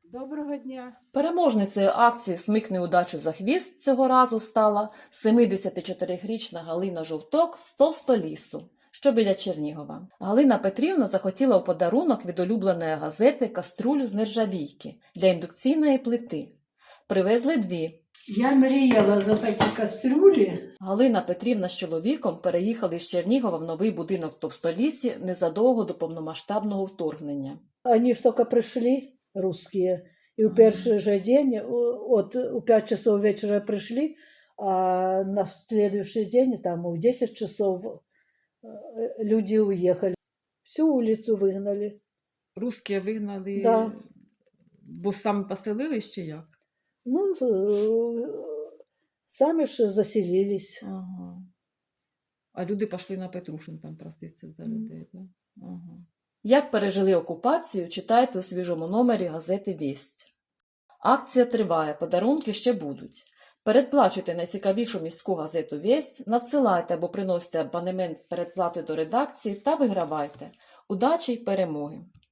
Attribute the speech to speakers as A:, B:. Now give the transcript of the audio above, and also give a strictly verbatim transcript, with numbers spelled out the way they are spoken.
A: Доброго дня!
B: Переможницею акції «Смикни удачу за хвіст» цього разу стала семидесятичотирирічна Галина Жовток з Товстолісу, що біля Чернігова. Галина Петрівна захотіла у подарунок від улюбленої газети каструлю з нержавійки для індукційної плити. Привезли дві.
A: Я мріяла за такі кастрюлі.
B: Галина Петрівна з чоловіком переїхали з Чернігова в новий будинок в Товстолісі незадовго до повномасштабного вторгнення.
A: Вони ж тільки прийшли, русские, і у перший же день, от у п'ять часов вечора прийшли, а на следующий день, там у десять часов, люди уїхали. Всю вулицю вигнали.
B: Русські вигнали,
A: Да.
B: бо самі поселились чи як?
A: Ну, самі ж заселились.
B: Ага. А люди пішли на Петрушин там проситися за людей, так? Ага. Як пережили окупацію, читайте у свіжому номері газети «Вість». Акція триває, подарунки ще будуть. Передплачуйте найцікавішу міську газету «Вість», надсилайте або приносите абонемент передплати до редакції та вигравайте. Удачі й перемоги!